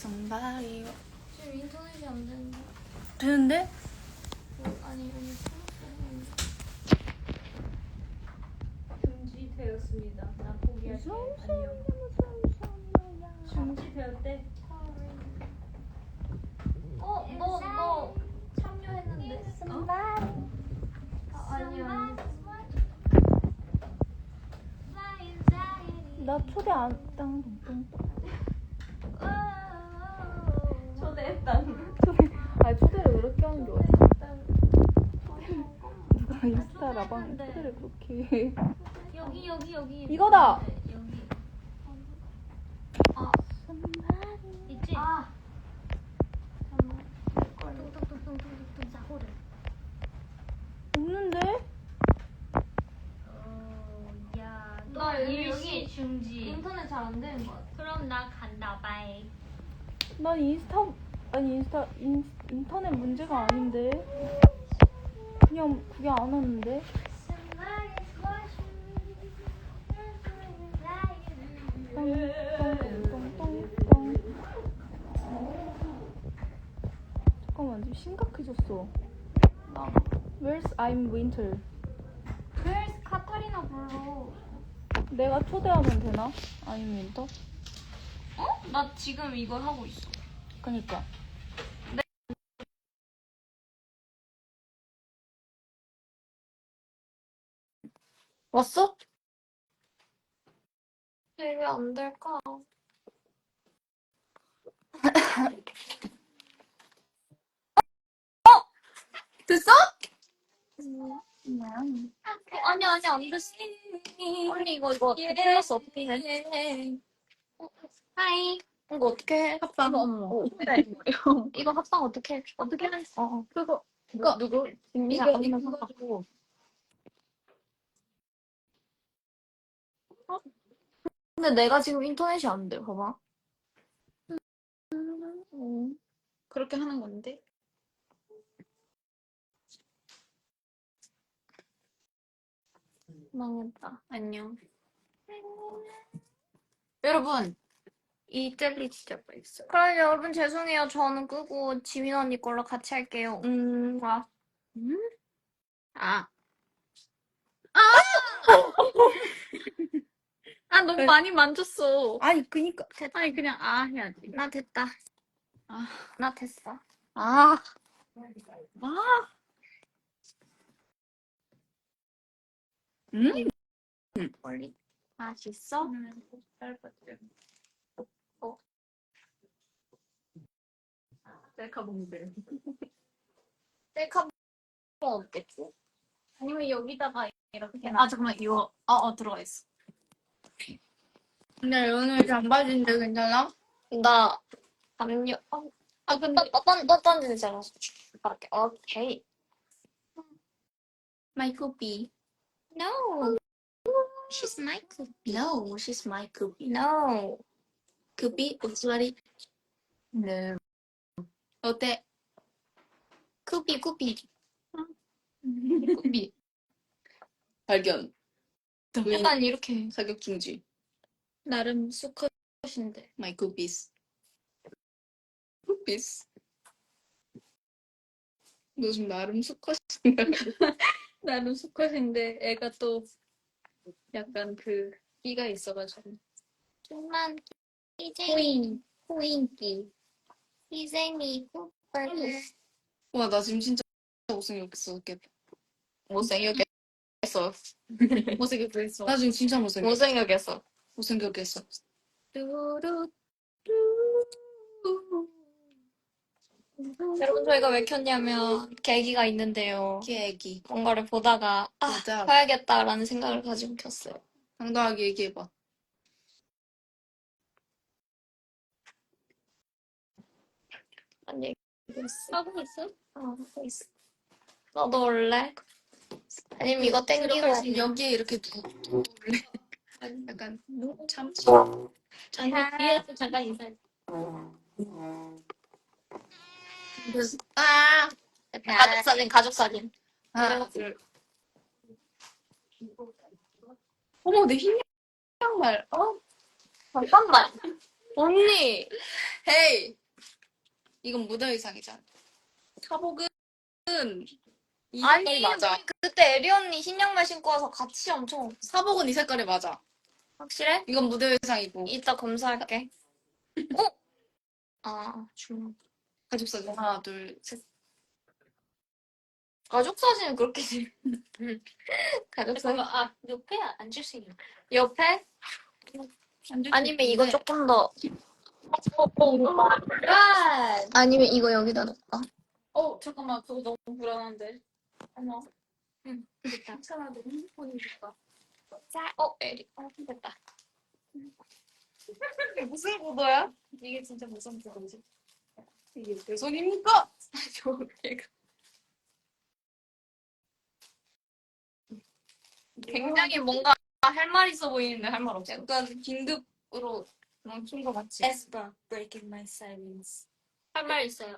somebody. 지금 인터넷이 안 되는데. 되는데? 아니 오늘 중지되었습니다. 나 포기할게. 안녕. 중지되었대. 너 참여했는데. 아니야. 나 초대 안 땅. 초대했다. 아니 초대를 그렇게 하는 게 어디? 누가 인스타 라방 초대를 그렇게 해? 여기. 이거다. 여기. 있지? 뚱뚱뚱뚱뚱뚱 사고를. 없는데? 야, 나 여기 여기 중지. 인터넷 잘 안 되는 것 같아. 그럼 나 간다. 바이. 난 인터넷 문제가 아닌데. 그냥 그게 안 왔는데. 똥똥똥똥똥. 잠깐만 지금 심각해졌어. Where's I'm Winter? 그래서 카타리나 불러. 내가 초대하면 되나? I'm Winter? 나 지금 이걸 하고 있어. 그니까. 왔어? 왜 안 될까? 됐어? 아니 안 됐어. 언니 이거 플러스 어떻게 해? 하이. 이거 어떻게 해? 합방. 이거 합방 어떻게 해? 어떻게 해? 그거 누구? 이거 가지고. 근데 내가 지금 인터넷이 안 돼. 봐봐. 그렇게 하는 건데. 망했다. 안녕. 여러분. 이 젤리 진짜 맛있어. 그럼 여러분 죄송해요. 저는 끄고 지민 언니 걸로 같이 할게요. 와. 아. 너무 많이 만졌어. 아니 그니까. 아니 그냥 해야지. 나 됐다. 나 됐어. 멀리. 맛있어? 셀카 봉들. 셀카 없겠지? 아니면 여기다가 이렇게 잠깐만 이거 들어가 있어. 근데 오늘 잠바지인데 괜찮아? 나 담요. 근데 너 던지잖아. 이렇게. 오케이. My cookie. No. She's my cookie. No, she's my cookie. No. cookie 옷소리. No. 어때? 쿠비. cookie. 발견. 약간 이렇게 사격 중지. 나름 수컷인데. My cookies. cookies. 너 지금 나름 수컷인가? 나름 수컷인데 애가 또 약간 그 끼가 있어가지고. 좀만 호인기. 희생이 쿠빨. 와, 나 지금 진짜 못생겼어. 못생겼겠어. 못생겼겠어. 나 지금 진짜 못생겼어. 못생겼겠어. 못생겼겠어. 뚜루. 여러분 저희가 왜 켰냐면 계기가 있는데요. 얘기. 뭔가를 보다가 맞아. 봐야겠다라는 생각을 가지고 켰어요. 당당하게 얘기해봐. 아니 하고 있어? 하고 있어. 너도 올래? 아니면 이거 땡기고 여기에 이렇게 둘래? 약간 참. 뒤에서 잠깐 인사해. 가족 사진. 하나, 둘. 어머, 내 흰 양말. 잠깐만. 언니 헤이! 이건 무대 의상이잖아. 사복은 이 색깔이 맞아. 우리 그때 에리 언니 흰 양말 신고 와서 같이 엄청. 사복은 이 색깔이 맞아. 확실해? 이건 무대 의상이고. 이따 검사할게. 어? 아, 가족 사진 하나, 둘, 셋. 가족 사진은 그렇게 가족 사진. 아, 옆에 앉을 수 있는. 옆에? 아니면 이거 조금 더. 아니면 이거 여기다 놓을까? 잠깐만. 그거 너무 불안한데. 어머. 응. 됐다. 괜찮아. 내 핸드폰이니까. 자, 에리. 됐다. 이게 무슨 구도야? 이게 진짜 무슨 구도지? 이게 내 손입니까? 저기가. 굉장히 뭔가 할 말 있어 보이는데 할 말 없어. 약간 긴급으로 멈춘 거 맞지? Espa breaking my silence. 할 말 있어요.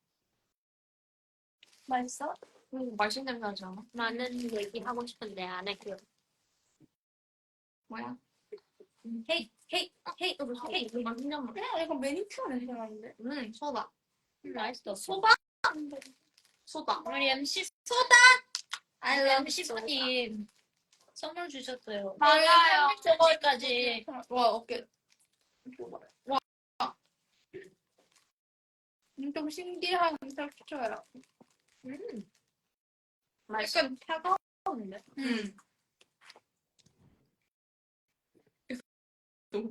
맛있어? 맛있는 냄새 나지 않아? 많은 얘기 하고 싶은데 안 할게요. 뭐야? 헤이, 헤이, 헤이, 헤이. 맛있는 냄새. 그냥 약간 매니큐어 냄새 나는데? 소다. 맛있어. 소바? 소다. 우리 MC I 우리 love MC분님 선물 주셨어요. 맞아요. 저번까지 와, 어깨. 와. 좀 신기한 텍스처야. 맛있어. 약간 차가운데? 너무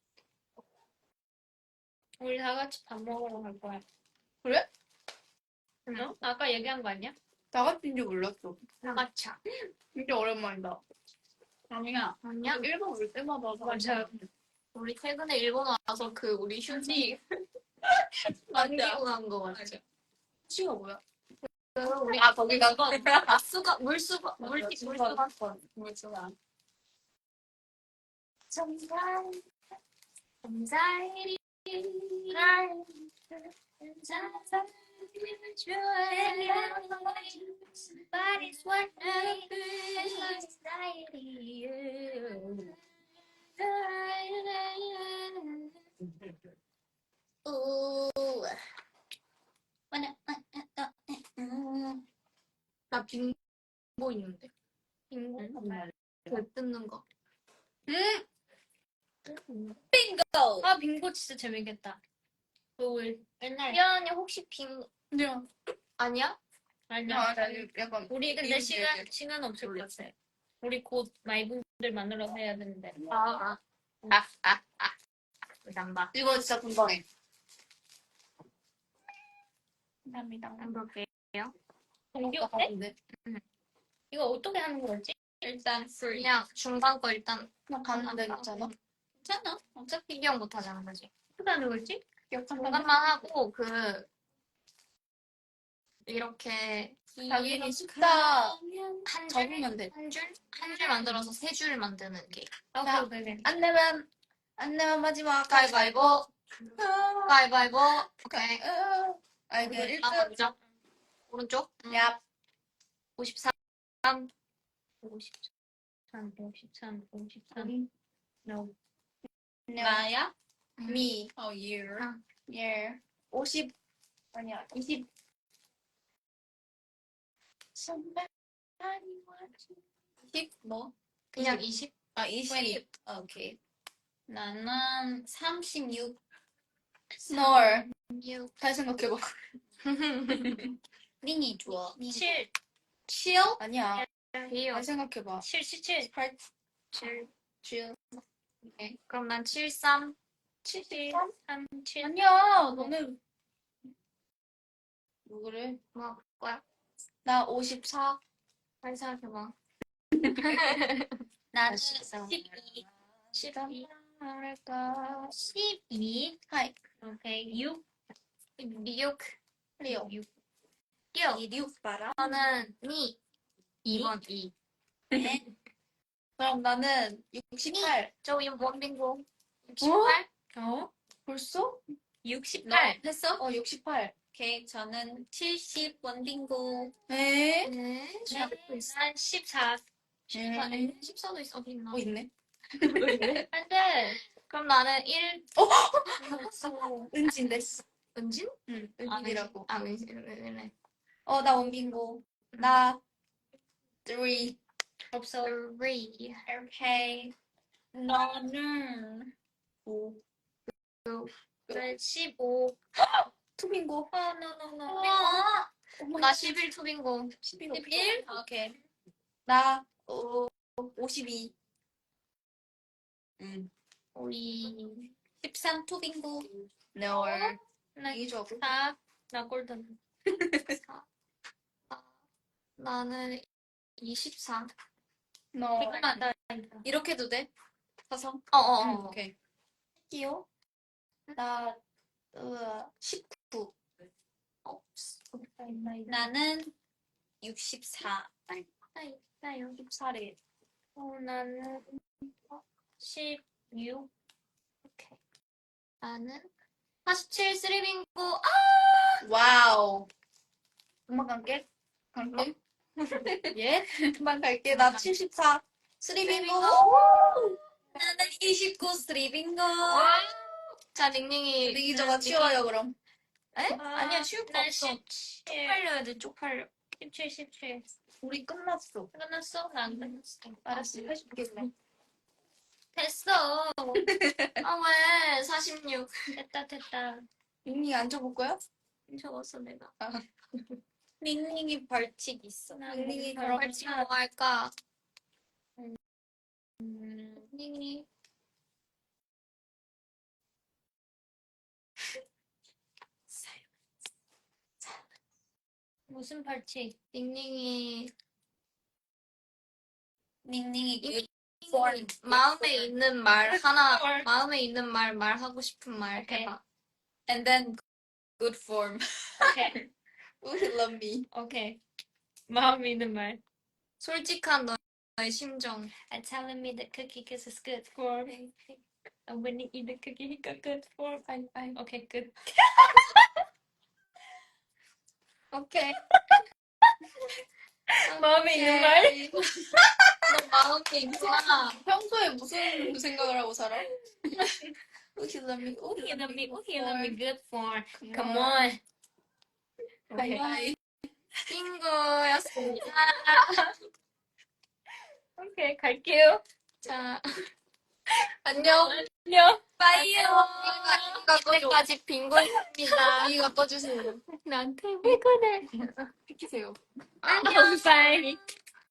우리 다 같이 밥 먹으러 갈 거야. 그래? 응? 아까 얘기한 거 아니야? 나같은 줄 몰랐어. 다 같이. 진짜 오랜만이다. 아니야. 아니야? 일본 올 때마다 맞아. 우리 최근에 일본 와서 그 우리 휴지 맞아. 남기고 간 거 맞지? 치가 뭐야? 우리 거기가 물수건 정말 Somebody's 나 빙고 있는데. 빙고? 그 뜯는 거. 빙고! 아, 빙고 진짜 재밌겠다. 우리 옛날에. 미안해 혹시 빙 그냥 아니야? 아니야. 약간 우리 근데 이런 시간 없을 것 같아. 우리 곧 마이분들 만나러 해야 되는데. 남바. 이거 진짜 금방해. 감사합니다. 안 볼게요. 공기 어때? 이거 어떻게 하는 거지? 일단 그냥 중간 거 일단 그냥 가는데 있잖아. 괜찮아. 어차피 기억 못 하자는 거지. 어떻게 하는 거지? 중간만 하고 이렇게 자기는 숫자 한 줄? 적으면 돼. 한 줄 만들어서 세 줄 만드는 게. 아, 그래. 안 내면 마지막 가위바위보. 가위바위보. 오케이. 아이고 아, 1등. 먼저. 오른쪽. 야. 53. 53. No. 나야? 음. Me. You. 아. Yeah. 50. 아니야. 20. 20? 뭐? 그냥 20. 20. 오케이. 나는 36. 널. 6. 잘 생각해봐. 링이 좋아. 7. 7? 아니야. 비요. 잘 생각해봐. 7, 17. 8. 7. 7. 그럼 난 73. 7, 3, 7. 아니야. 너는 뭐 그래? 뭐 할 거야? 나 54. 빨리 생각해봐. 나는 맛있어. 12. 12. 할까? 12. 하이. 오케이. 6. 6. 리오. 6. 6 봐라. 저는 2번 2. 네. 그럼 나는 68. 저 원빙고 68. 어? 벌써? 68. 했어? 68. 오케이. 저는 70 원빙고. 에? 네. 난 14. 14도 있어. 어디 있나? 있네. 안 돼. 그럼 나는 1. 은진데. 은진? 응, 아, 은진이라고. 은진이네. 나 원빈고. 나 3. 없어. 3. 오케이. 나는 5. 15. 투빈고. no. 나 11 투빙고. 11? 오케이. 나 52. 우리 13 투빈고. No. 나 이죠. 4. 나 골든. 4. 나는 24. No. 나 이렇게 해도 돼? 사성? 오케이. 할게요. 나 19. 나는 64. 나 64래. 나는 16. 오케이. 나는 47 쓰리빙고. 와우. 금방 갈게. 갈게. 예? 금방 갈게. 나 74. 스리빙고. 나는 29 스리빙고. 자, 닝닝이. 링이 저가 치워요, 그럼. 아니야, 치울 거 난 없어. 17. 쪽팔려야 돼, 쪽팔려. 17. 우리 끝났어. 끝났어? 나 안 끝났어. 알았어. 해줄게, 그럼. 됐어. 아, 왜? 46. 됐다. 링이 앉아볼 거야? 적었어, 내가. 링링이 벌칙 있어. 링링이 그럼 벌칙 뭐 할까? 닝닝이. 무슨 벌칙? 닝닝이. 링링이 마음에 있는 말 하나, 마음에 있는 말 말하고 싶은 말 오케이. 해봐. and then good form. 오케이. Would you love me? 오케이. 마음 있는 말. 솔직한 너의 심정. I'm telling me the cookie because it's good for me. And when you eat the cookie, it got good for me. Okay, good. 오케이. 마음에 있는 말? 너 마음에 있구나. 평소에 무슨 생각을 하고 살아? Would you love me? Would you love me? It'll be good for. Come Come on. on. Okay. 바이바이. 빙고였습니다. 오케이, 갈게요. 자, 안녕. 안녕. 빠이요. 여기까지 빙고였습니다. 이거 꺼주세요. 나한테 왜 그래? 비키세요. 안녕. 바이.